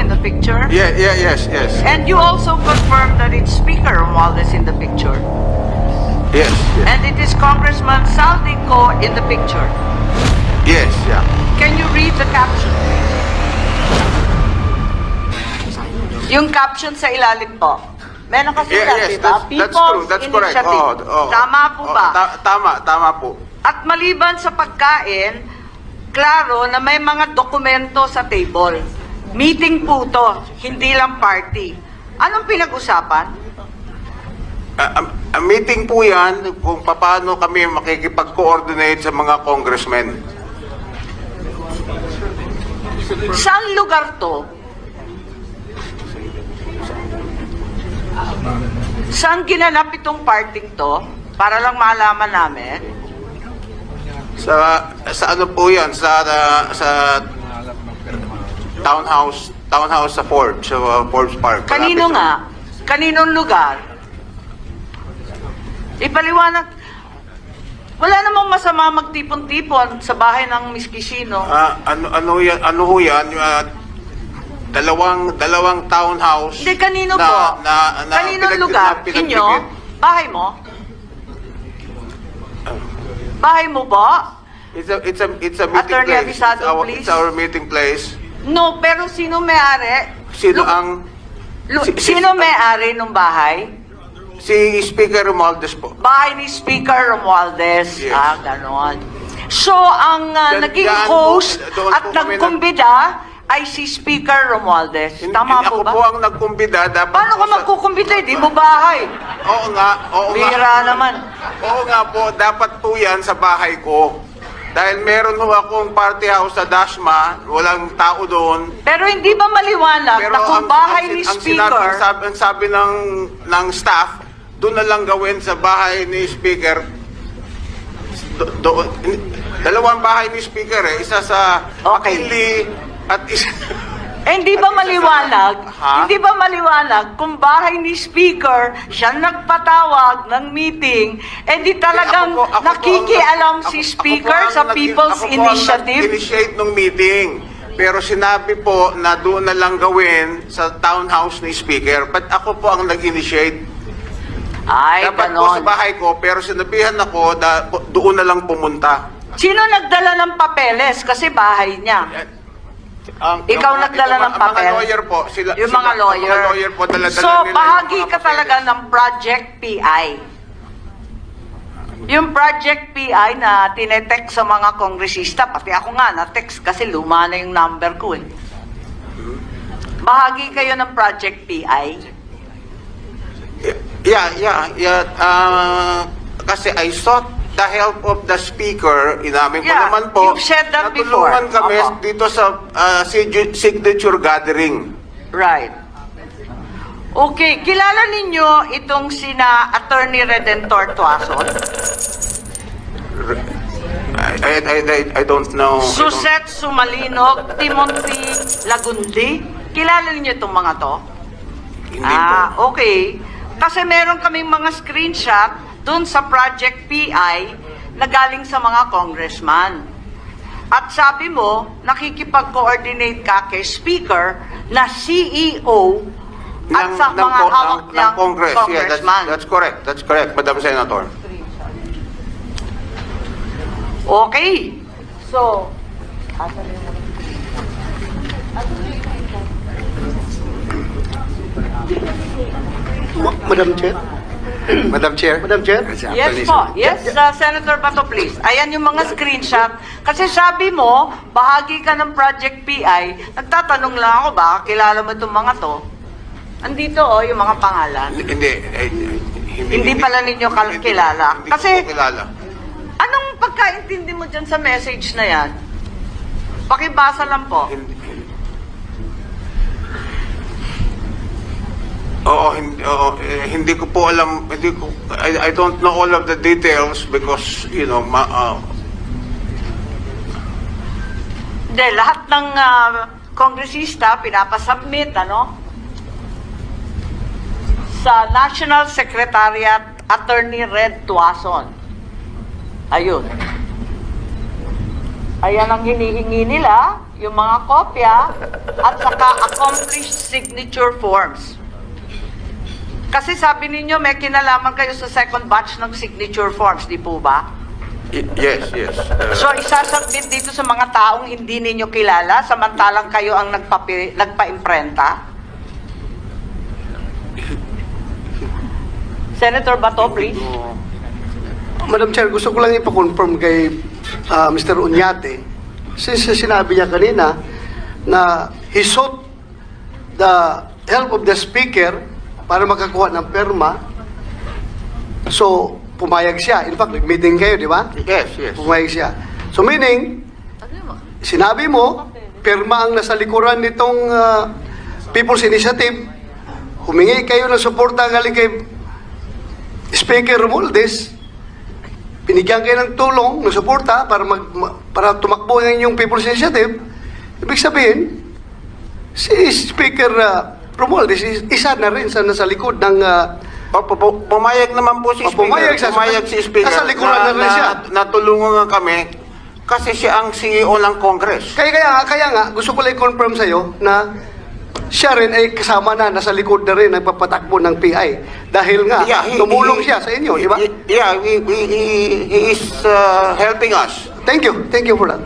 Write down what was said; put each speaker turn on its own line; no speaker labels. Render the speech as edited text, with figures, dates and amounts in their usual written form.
in the picture?
Yes.
And you also confirm that it's Speaker Romualdez in the picture.
Yes.
And it is Congressman Saldico in the picture.
Yes, yeah.
Can you read the caption, please? Yung caption sa ilalim po. May nakasulat, di ba?
That's true.
People's
That's correct.
Initiative. Tama po ba?
Tama po.
At maliban sa pagkain, klaro na may mga dokumento sa table. Meeting po to, hindi lang party. Anong pinag-usapan?
Ang meeting po yan kung paano kami makikipag-coordinate sa mga congressmen.
Saan lugar to? Saan ginanap itong parting to? Para lang malaman namin.
Sa ano po yan? Sa townhouse sa Forbes, sa Forbes Park.
Kanino
Malapit
nga? Kaninong lugar? Ipaliwanag. Wala namang masama magtipon-tipon sa bahay ng Miss Quisino.
Ano ho yan? Dalawang townhouse.
Hindi, kanino po? Kaninong lugar? Inyo? Bahay mo? Bahay mo ba?
It's a meeting
Attorney
place.
Abisado, please.
It's our meeting place.
No, pero sino may-ari? Sino may-ari ng bahay?
Si Speaker Romualdez po.
Bahay ni Speaker Romualdez.
Yes.
Ganon. So, ang naging host
doon
at
po kami
nagkumbida ay si Speaker Romualdez. Tama po ba?
Ako po ang nagkumbida.
Paano ka magkukumbida? Di mo bahay.
Oo nga.
Bihira naman.
Oo nga po, dapat po yan sa bahay ko. Dahil meron ho akong party house sa Dasma, walang tao doon.
Pero hindi ba maliwanag na kung bahay ni Speaker...
Ang sabi ng staff, doon na lang gawin sa bahay ni Speaker. Dalawang bahay ni Speaker eh. Isa sa
Okay.
McKinley at isa...
hindi ba maliwanag?
Ha?
Hindi ba maliwanag kung bahay ni Speaker siya nagpatawag ng meeting, di talagang nakikialam si Speaker sa People's Initiative?
Initiate ng meeting. Pero sinabi po na doon na lang gawin sa townhouse ni Speaker. But ako po ang nag-initiate.
Ay,
Dapat po sa
ganon.
bahay ko, pero sinabihan ako doon na lang pumunta.
Sino nagdala ng papeles? Kasi bahay niya. Ikaw nagdala ng papel?
Mga lawyer po.
Yung mga lawyer.
Mga lawyer po, dala-dala
So,
nila yung
bahagi
mga
ka
papeles.
talaga ng Project PI. Yung Project PI na tinetext sa mga kongresista, pati ako nga na-text kasi luma na yung number ko eh. Bahagi kayo ng Project PI.
Yeah. Kasi I sought the help of the speaker. Inamin ko
Yeah,
naman po.
you've said that before.
Natulungan kami
Opo.
dito sa signature gathering.
Right. Okay, kilala ninyo itong sina Attorney Redentor Tuason?
I don't know.
Suset Sumalinog, Timothy Lagundi. Kilala niyo itong mga to?
Hindi po.
Okay. Kasi meron kaming mga screenshot dun sa Project PI na galing sa mga congressman. At sabi mo, nakikipag-coordinate ka kay Speaker na CEO at sa mga hawak niyang
Congress. Yeah,
congressman.
that's correct. That's correct, Madam Senator.
Okay. So,
Madam Chair?
Madam Chair.
Madam Chair?
yes po. Yes, Senator Bato, please. Ayan yung mga screenshot. Kasi sabi mo, bahagi ka ng Project PI. Nagtatanong lang ako, baka kilala mo itong mga to. Andito yung mga pangalan. Hindi pala ninyo kilala.
Hindi
Kasi,
ko kilala.
anong pagkaintindi mo dyan sa message na yan? Pakibasa lang po.
Hindi ko po alam, I don't know all of the details because,
Hindi, lahat ng kongresista pinapasubmit, sa National Secretariat Attorney Red Tuason. Ayun. Ayan ang hinihingi nila, yung mga kopya at saka accomplished signature forms. Kasi sabi ninyo may kinalaman kayo sa second batch ng signature forms, di po ba?
Yes, yes.
So isasubmit dito sa mga taong hindi ninyo kilala samantalang kayo ang nagpa-imprenta? Senator Bato, please.
Madam Chair, gusto ko lang ipa-confirm kay Mr. Uñate, since sinabi niya kanina na he sought the help of the speaker para makakuha ng perma. So, pumayag siya. In fact, nag-meeting kayo, di ba?
Yes, yes.
Pumayag siya. So, meaning, sinabi mo, perma ang nasa likuran nitong People's Initiative, humingi kayo ng suporta galing kay Speaker Romualdez, binigyan kayo ng tulong, ng suporta para tumakbo ng inyong People's Initiative. Ibig sabihin, si Speaker Romualdez isa na rin sa nasa likod ng
Pumayag naman po si Speaker.
pumayag siya.
Pumayag si Speaker.
Nasa likuran na rin siya.
Natulungan nga kami kasi siya ang CEO ng Congress.
Kaya nga, gusto ko lang i-confirm sa'yo na siya rin ay kasama na, nasa likod na rin, nagpapatakbo ng PI. Dahil nga, tumulong siya sa inyo, di ba?
Yeah, he is helping us.
Thank you for that.